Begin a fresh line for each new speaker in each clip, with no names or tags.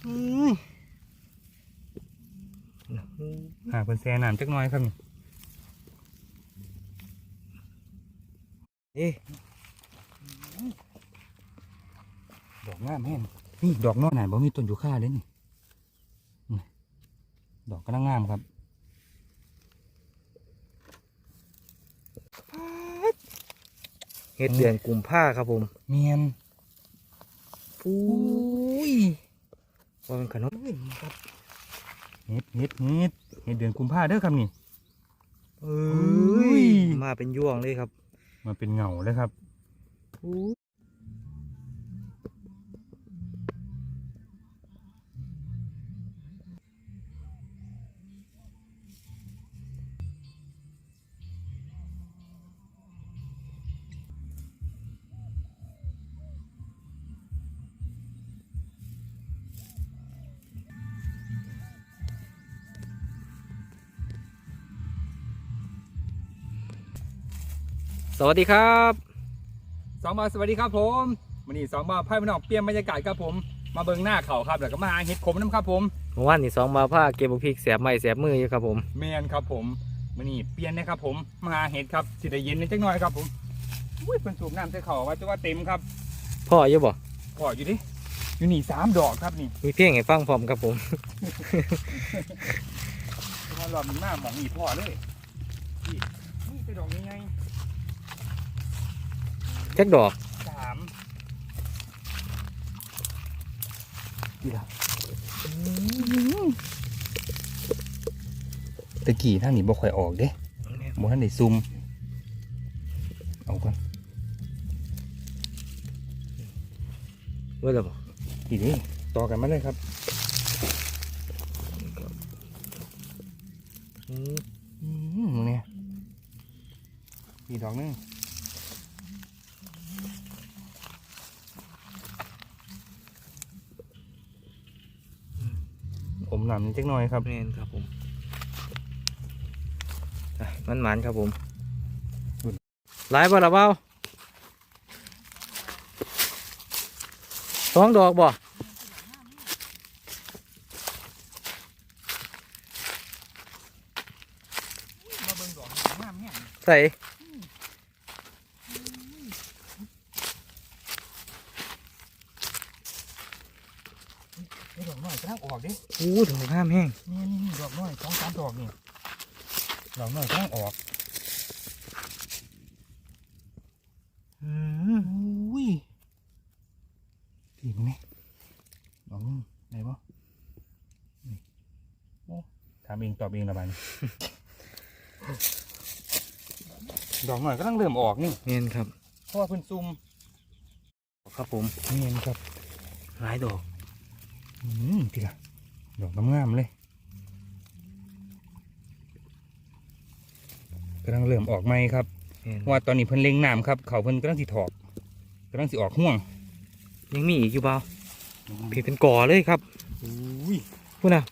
หาเป็นแซ่น้ำจักหน่อยครับนี่ดอกงามแห้งนี่ดอกน้อยไหนบ่มีต้นยูคาเลยนี่ดอกกำลังงามครับ
เฮ็ดเดือนกุมภาครับผม
เมียน
ปุ้ยว่าเป็นขนม
ครับเฮ็ดเดือนกุมภาเด้อครับนี่
มาเป็นยวงเลยครับ
มาเป็นเงาเลยครับ
สวัสดีครับ
2 บาทสวัสดีครับผมวันนี้2 บาทไพ่พี่น้องเปลี่ยนบรรยากาศครับผมมาเบิ่งหน้าเขาครับแล้วก็มาหาเห็ดขมน้ำครับผม
เมื่อวานนี่2 บาทผ้าเก็บบุกพริกแสบไม้แสบมืออยู่ครับผม
เมียนครับผมวันนี้เปลี่ยนนะครับผมมาหาเห็ดครับสิได้เย็นนิดจักหน่อยครับผมอุ้ยเป็นสูบน้ำใส่เขาว่าจะว่าเต็มครับ
พ่ออยู่บ่
พ่ออยู่ดิอยู่นี่3 ดอกครับนี่
มีเพียงให้ฟังพร้อมครับผม
มาหลอดมันหน้าหมองนี่พ่อเลยนี่เป็นดอกยังไง
จักดอก
3ดีละตะกี้ทางนี้บ่ค่อยออกเด้บ่ทันได้ซุ่มเอาก่อน
เว้ยล่ะบ่
ทีนี้ต่อกันมาเลยครับเนี่ยมีดอกนึงอมหนำนิดหน่อยครับ
แม่นครับผมมันหมานครับผมหลายบ่ล่ะเบ้า2 ดอกบ่ใส่
ดอกน้อยกำลังออกดิ
ดอกงามแห้ง
นี่ดอกน้อย2-3 ดอกนี่ดอกน้อยกำลังออกอุ้ยดีมั้ยดอกนึงไหนบ่โอ้ถามเองตอบเองละบาดนี้ดอกน้อยกำลังเริ่มออกนี่
เนียนครับ
เพราะว่าเพิ่นซุ่ม
ครับผม
เนียนครับ
หลายดอก
ทีละดอกงามๆเลยกำลังเริ่มออกไหมครับว่าตอนนี้เพิ่นเล็งน้ำครับเขาเพิ่นกำลังสิถอกกำลังสิออกห่วง
ยังมีอีกอยู่เปล่าพี่เป็นก่อเลยครับพูดนะ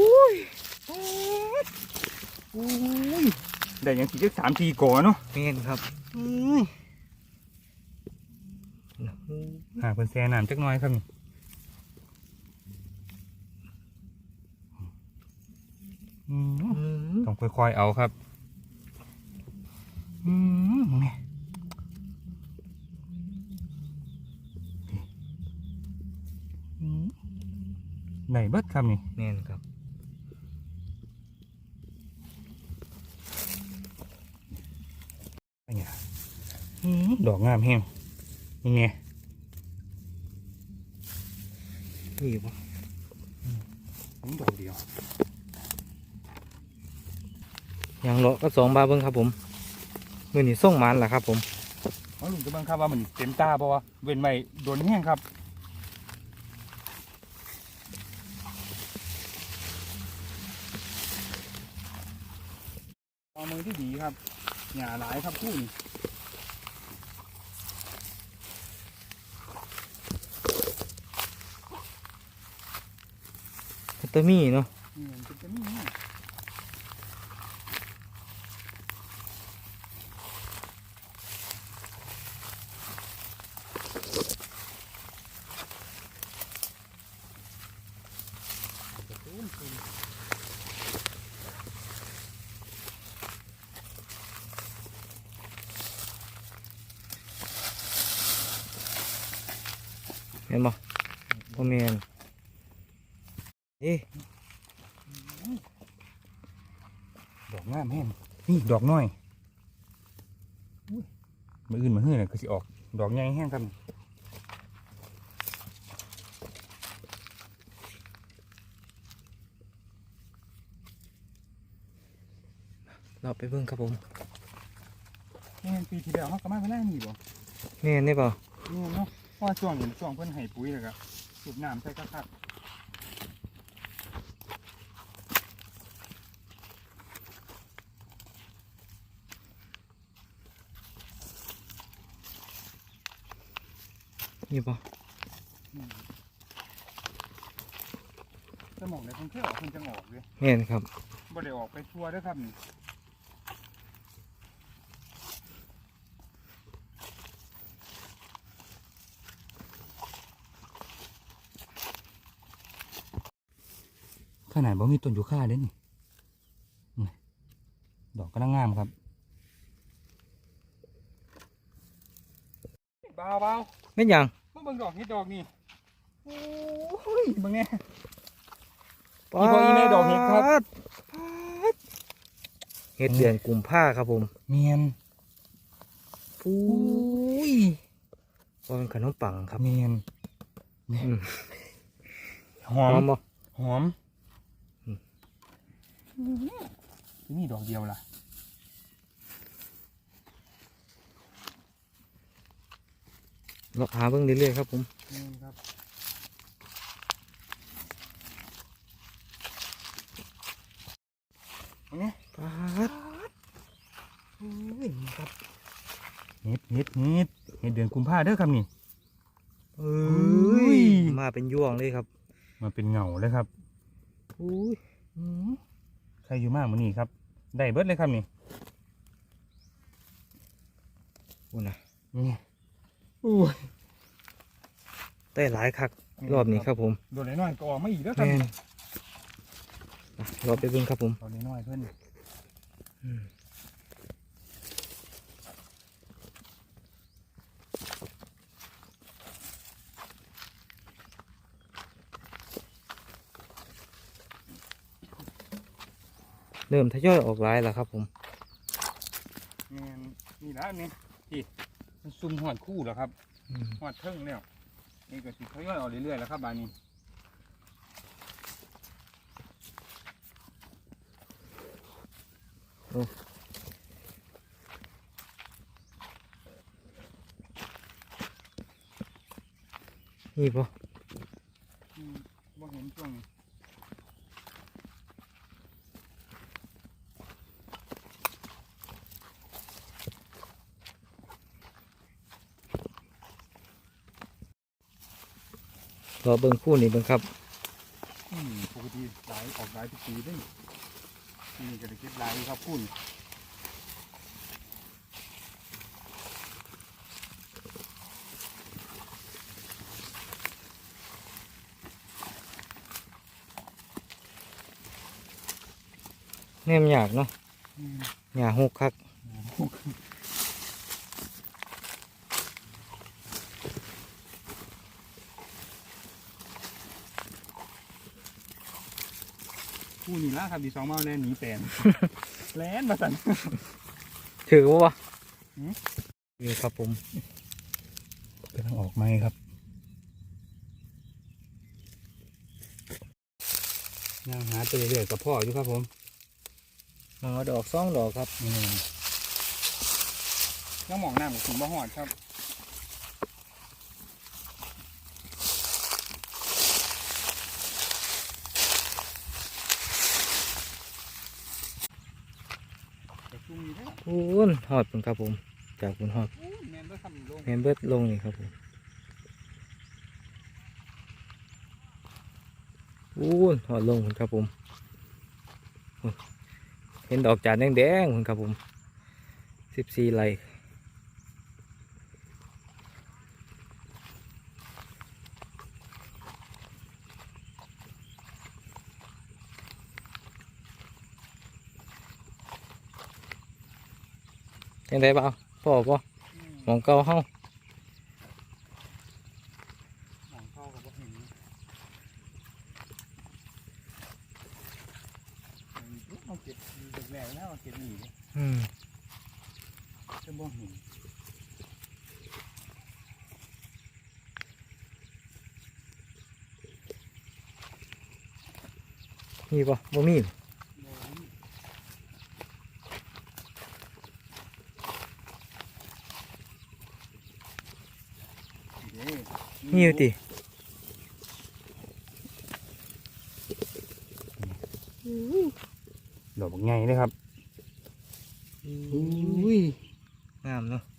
ได้ยังสี่3 4 ก่อเนาะ
เนียนครับ
หาเพิ่นแซ่น้ำจักหน่อยครับต้องค่อยๆเอาครับนี่ไหนเบิดครับนี่
แน่นครับ
ดอกงามแห้งนี่ไง
นี่อยู่ปะ
ดอกเดียว
ยังเลาะก็2 บาทเบิ้งครับผมมือนี่ส่งมันแหละครับผม
ลุงจะเบิ้งครับว่ามันเต็มตาเพราะว่าเว้นไว้โดนแห้งครับเอามือที่ดีครับหย่าหลายครับคู่นี่
คัตเตอร์มี่เนาะเห็นบ่พ่อแม่นเอ๊ะ
ดอกงามแห้งนี่ดอกน้อยอุ้ยมืออื่นมาเฮือน่ะก็สิออกดอกใหญ่แห้งครับ
เราไปเบิ่งครับผม
นี่ปีที่แล้วเขาก็มาเวลานี่บ่
แม่นได้เปล่า
นี่เนาะเพราะว่าช่วงนี้ช่วงเพิ่นให้ปุ๋ยแล้วก็สูบน้ำใส่คัก
นี่ป่ะ
ๆสมองในเพิ่นเที่ยวเพิ่นจะออกเลย
แม่นครับ
บ่ได้ออกไปทั่วเด้อครับนี่ขนาดบ่มีต้นยูคาเด้นี่ดอกกำลังงามครับเบา
แม่นหยัง
ๆมาเบิ่งดอกนี่ดอกนี่โอ้ยเบิ่งแน่
ป๊า
อีพออีแม่ดอกเห็ดครับ
เห็ดเดือนกุมภาครับผม
เมียน
อุ้ยว่าเป็นขนมปังครับ
เมียน
อืม
หอ
หอ
ม
มบ่
หอมนี่ดอกเดียวล่ะ
เราหาเบิ่งเรื่อยๆครับผม
นี่ครับอันนี้
ป๊าด
โอ้ยนี่ครับเห็ดเดือนกุมภาเด้อครับนี่
เอ้
ย
ยมาเป็นยวงเลยครับ
มาเป็นเงาเลยครับ
อุ้ย
ใครอยู่มากมื้อนี้ครับ ได้เบิดเลยครับนี่
อุ้ยนะ
นี่อู้ย
ได้หลายคักรอบนี้ครับผม
โดนน้อยๆก็ออกมาอีกแล้วครับ
แม่นอ่ะรอไปเบิ่งครับผม
โดนน้อยๆเพิ่น
อืม เริ่มทยอยออกหลายแล้วครับผม
นี่แล้วนี่ที่มันซุ่มหอดคู่แล้วครับ
อืม
หอดเทิงแล้วนี่ก็สิทยอยออกเรื่อยๆแล้วครับบานนี้
นี่ป่ะ
บ่เห็นช่วงนี้
รอเบิ่งคู่นี้เบิ่งครับ
ปกติหลายออกหลายทุกปีเด้ยนี่ก็ได้เก็บหลายอยู่ครับคุณ
แนมอยากเนาะอยากหกคัก
คู่นี่ละครับดีสองเมาแลนหนีแปลน แลนมาสั่น
ถือว่า
หืม
นี่ครับผม
กำลังออกไหมครับยังหาตัวเรื่อยๆกับพ่ออยู่ครับผม
อ๋อดอกซ่องดอกครับ
ยังหมองน้ำกับถึงบ่หอดครับแต่ช่วงนี้เด้อ
พูนหอดเป็นครับผม จากพูนหอด
โอ้ยแมนเด้อครับลง
แมนเบิดลงนี่ครับผมพูนหอดลงพุ่นครับผมพูนเห็นดอกจานแดงๆพุ่นครับผม14ไร่ยังไงบ้างพ่อป่ะมองเก่าเฮา
หมองเข้ากับบ่เห็นเอาเก็บแรกแล้วเอาเก็บหนีเลย จะบ่เห็น
มีป่ะบ่มี มีอยู่ติ
ดอกไงเลยครับอุ้ย
งามเนาะ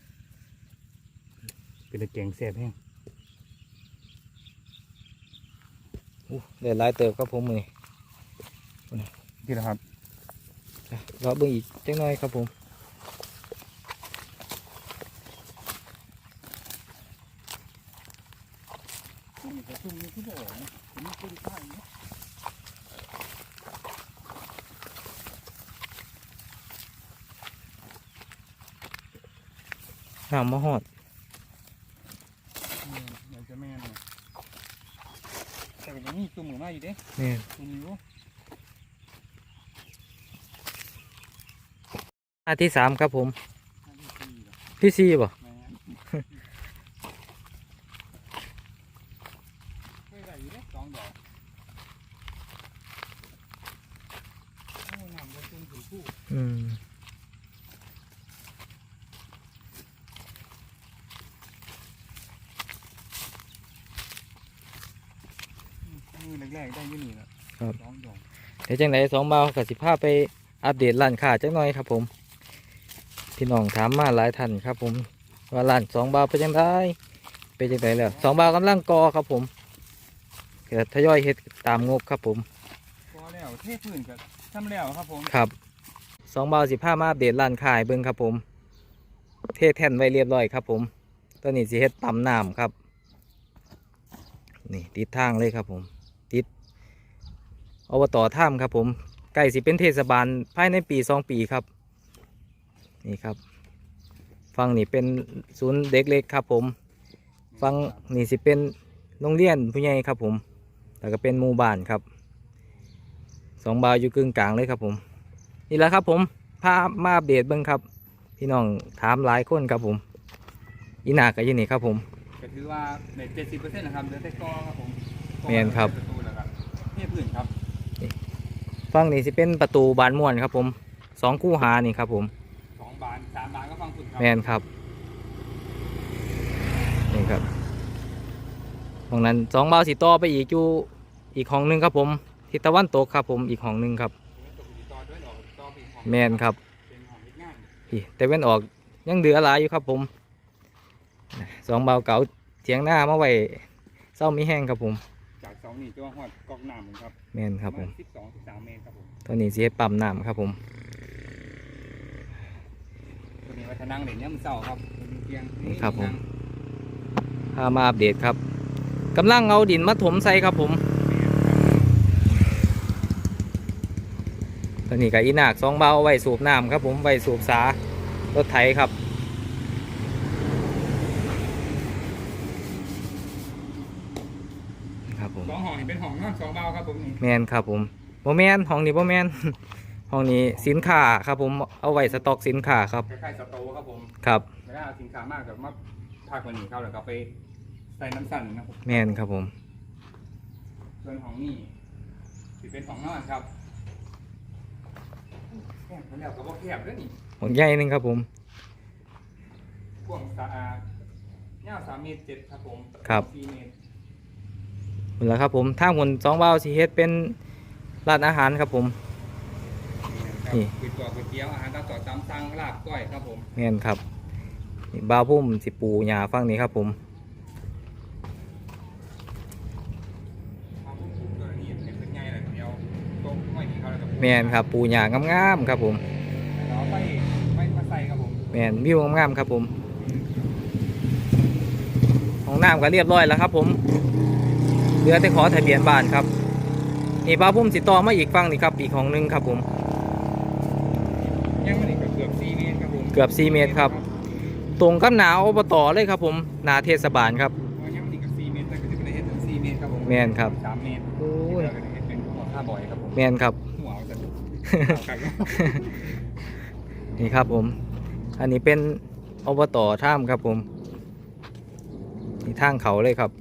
เป็นตะแกรงแซ่บแห้ง
ได้หลายเติบครับผมมือ
ที่นะครับ
รอเบิ่งอีกจังหน่อยครับผม
นี่กระชุ่มนี่ที่บ่อนะนี่คือข้างนี้
น้ำมะฮอด
อยากจะแม่นเลยแต่ก็ยังมีตัวหมูมาอยู่เด้
นี่
ตัวนี้อยู่
อันที่สามครับผม
อันที่สี่เหรอ
ที่สี่ป่ะ
แม่นเคยได้อยู่เด้สองดอกโอ้น้ำบ่จุ่มถึงผู้ มือแรกๆได้อยี่นี่แหละ
ครับ
สองดอก
เดี๋ยวจังไหนสองเบากับสิพาไปอัปเดตร้านค้าจังหน่อยครับผมพี่น้องถามมาหลายท่านครับผมว่าร้านสองเบาเป็นจังไดเป็นจังไดแล้วสองเบากำลังก่อครับผมเกิดทยอยเฮ็ดตามงบครับผม
พอแล้วเทพื้นก็ทำแล้วครับผม
ครับสองเบาสิพามาอัปเดตร้านค้าให้เบิ่งครับผม เทแท่นไว้เรียบร้อยครับผมตอนนี้สิเฮ็ดปั๊มน้ำครับนี่ติดทางเลยครับผมติดอบต.ถ้ำครับผมใกล้สิเป็นเทศบาลภายในปี2 ปีครับนี่ครับฟังนี่เป็นศูนย์เด็กเล็กครับผมฟังนี่สิเป็นโรงเรียนผู้ใหญ่ครับผมแล้วก็เป็นหมู่บ้านครับสองบาวอยู่กึ่งกลางเลยครับผมนี่แหละครับผมพามาอัปเดตเบิ่งครับพี่น้องถามหลายคนครับผมอีนากับยี่นี่ครับผม
ก็ถือว่าใน70%นะครับเหลือแต่กอครับผม
แม่นครับ
ประตูแล้วครับเทพื้นครับ
ฟังนี่สิเป็นประตูบานม่วนครับผม2 คู่หานี่ครับผม
2 บาน 3 บานก็ฟังฝุ่นครับ
แมนครับนี่ครับตรงนั้น2 บาวสีต่อไปอีกอยู่อีกห้องหนึงครับผมทิศตะวันตกครับผมอีกห้องหนึงครับ
ตกอยู่ต่อด้วยดอกต่อไปอีกห้อง
แมนครับ
เป็นห้องเล็กง่าย
พี่แต่เว้นออกยังเหลือหลายอยู่ครับผม2 บาวเก่าเถียงหน้ามาไว้เศร้ามีแห้งครับผม
จากเสานี่ตัวหอดกอกน้ำครับ
แมนครับผม
12-13 เมตรครับผม
ตอนนี้สิเฮ็ดปั๊มน้ำครับผม
ตัวนี้วัฒนังเหรียญย่ำเสาครับเป็นเพียง
นี่ครับผมพามาอัปเดตครับกำลังเอาดินมาถมใส่ครับผมตอนนี้กับอีนาก2 บาวเอาไว้สูบน้ำครับผมไว้สูบสารถไถครับครับผม
2 ห้องนี่เป็นห้องนอน2 บานครับผมนี่
แมนครับผมโมแมนห้องนี้โมแมน ห้องนี้สินค้าครับผมเอาไว้สต็อกสินค้าครับ
คล้ายๆสโตร์ครับผม
ครับ
ไม่ได้เอาสินค้ามากแบบมาพักวันนี้เข้าแล้วก็ไปใส่น้ำสั่นนะครับ
แมนครับผม
ส่วนของนี่ที่เป็นของนอนครับแคบแล้วก็บ่แคบด้วยนี่
ห้องใหญ่หนึงครับผม
กว้างสะอาดยาว3 เมตร 7ครับผม
ครับ
4 เมตร
หมดแล้วครับผมทางคน2 บาวสิเฮ็ดเป็นร้านอาหารครับผม นี่
ก๋วยเตี๋ยวอาหารตามสั่งตามสั่งลาบก้อยครับผม
แมนครับนี่บาวพุ่มสิปูหญ้าฟังนี้ครับผม
ความคุ้มตัวนี้เป็นไงล่ะเดียวตรงห้อยนี่เขาแล้วก็
แมนครับปูหญ้างามๆครับผม
เราไปมาใส่ครับผม
แมนวิวงามๆครับผมห้องน้ำก็เรียบร้อยแล้วครับผมเหลือแต่ขอทะเบียนบ้านครับนี่บาวพุ่มสิต่อมาอีกฟังนี่ครับอีกห้องหนึงครับผม
ยังไม่ได้เกือบ4 เมตรครับผม
เกือบ4 เมตรครับตรงกับหนาอบตเลยครับผมหนาเทศบาลครับ
ว่ายังมันอีกกับ4 เมตรแต่ก็จะเป็นเฮ็ดถึง4 เมตรครับผม
แม่นครับ
3 เมตร
โอ้ย
เดี๋ยวก็จะเฮ็ดเป็นหัวค่าบ่อยครับผม
แมนครับ
หัวเอาแต่ครับ
นี่ครับผม อันนี้เป็นอบตท่ามครับผมนี่ทางเขาเลยครับ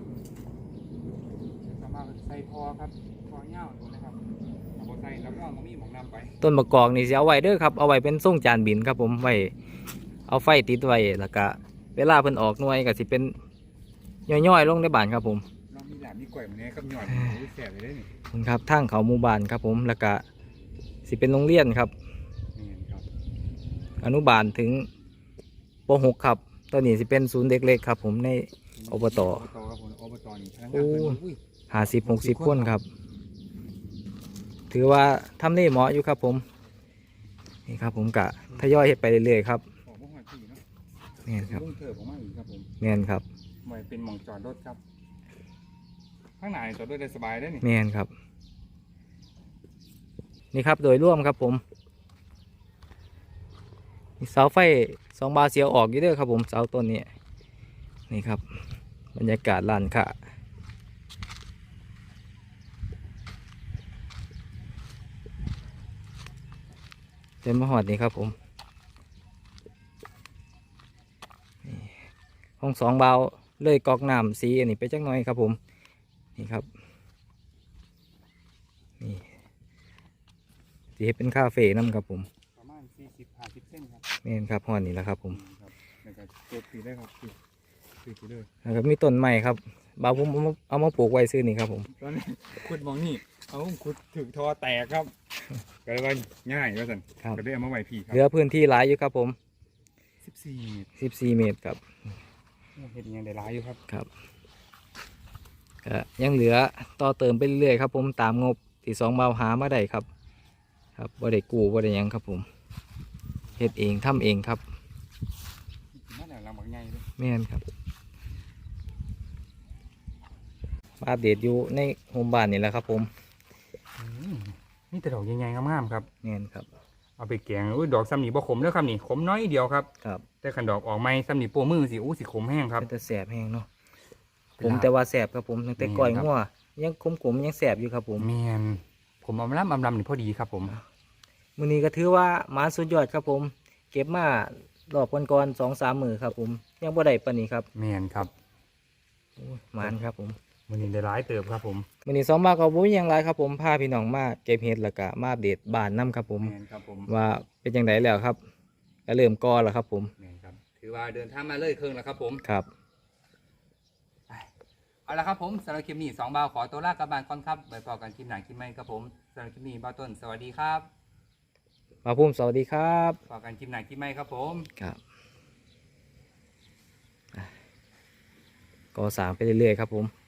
สามารถใส่พอครับพอเง่าตัวนะครับเอาบ่ใส่แล้วก็เอามีหมองน้ำไป
ต้นมะกอกนี่สิเอาไว้เด้อครับเอาไว้เป็นส่งจานบินครับผมไว้เอาไฟติดไว้แล้วก็เวลาเพิ่นออกหน่วยก็สิเป็นย่อยๆลงในบ้านครับผม
เรามีหลานมีก่อยมันนี้ครับหยอดแสบเลยได้นี่
นี่ครับทางเขาหมู่บ้านครับผมแล้วก็สิเป็นโรงเรียนครับ
นี่ครับ
อนุบาลถึงป .6 ครับตอนนี้สิเป็นศูนย์เด็กเล็กครับผมในอบต
ครับผมอบตนี่พนักงาน
โอ้
เพิ่นอุ้ย
50-60 คนครับ ถือว่าทำได้เหมาะอยู่ครับผมนี่ครับผมกะทยอยเฮ็ดไปเรื่อยๆครับ
ออกบ่ฮอดที่เนาะ
แม่นครับ
ลุงเถิบออกมาอีกครับผม
แม่นครับ
ไว้เป็นหม่องจอดรถครับข้างหน้านี่จอดรถได้สบายได้อนี่
แม่นครับ นี่ครับโดยร่วมครับผมมีเสาไฟ2 บาเสียวออกอยู่เด้อครับผมเสาต้นนี้นี่ครับบรรยากาศลานค่ะเต็มมาหอดนี่ครับผมนี่ห้อง2 บาเลยกอกน้ำสีอันนี้ไปจักหน่อยครับผมนี่ครับนี่สีให้เป็นคาเฟ่น้ำครับผม
ประมาณ40-50 เส้นครับ
นี่นครับหอดนี่แหละครับผม
นี่ครับแล้วก็ตัวปีได้ครับปีเลย
แล้วก็มีต้นไม้ครับบาวผมเอามาปลูกไว้ซื้อนี่ครับผม
ตอนนี้ขุดมองนี่เอาขุดถึงทอแตกครับก็เลยว่าง่ายว่าสัน
ครับ
ก็ได้เอามาไว้พี่ครั
เหลือพื้นที่หลายอยู่ครับผม
14
14 เมตรครับ
เห็นยังได้หลายอยู่ครับ
ครับก็ยังเหลือต่อเติมไปเรื่อยๆครับผมตามงบที่2 บาวหามาได้ครับครับบ่ได้กู้บ่ได้หยังครับผมเฮ็ดเองทำเองครับ
นั่นแหละลำบากใหญ่เลย
แม่นครับมาอัปเดตอยู่ในโฮมบ้านนี่แหละครับผม
นี่แต่ดอกใหญ่ๆงามๆครับ
แม่นครับ
เอาไปแกงอุ้ยดอกซ้ำนี่บ่ขมแล้วครับนี่ขมน้อยเดียวครับ
ครับ
แต่ขันดอกออกไม้ซ้ำนี่โป้มือสิอู้สิขมแห้งครับ
เป็นแต่แสบแห้งเนาะ
เป็น
ผม
ลาบ
แต่ว่าแสบครับผมตั้งแต่ก่อย
แม่นครับ
งัวยังขมๆยังแสบอยู่ครับผม
แมนผมเอามาล้ำนี่พอดีครับผม
มื้อนี้ก็ถือว่าหมาสุดยอดครับผม เก็บมารอบก่อนๆ2-3 มื้อครับผมยังบ่ได้ปานนี้ครับ
แมนครับ
โอ้ยหมานครับผม
มันนี่ได้หลายเติบครับผม
มื้อนี้2 บาทก็บ่มีหยังหลายครับผมพาพี่น้องมาเก็บเห็ดแล้วก็มาอัปเดตบ้านนํครับผม
แมนครับผม
ว่าเป็นจังไดแล้วครับก็เริ่มก่อแล้วครับผม
แมนครับถือว่าเดินทางมาเลยครึ่งแล้วครับผม
ครับ
เอาละครับผมสำหรับคลิปนี้2 บาวขอตัวลากลับบ้านก่อนครับไว้พอกันคลิปหน้าคลิปใหม่ครับผมสำหรับคลิปนี้บ่าวต้นสวัสดีครับ
มาพุ่มสวัสดีครับ
พอกันคลิปหน้าคลิปใหม่ครับผม
ครับก่อสร้างไปเรื่อยๆครับผม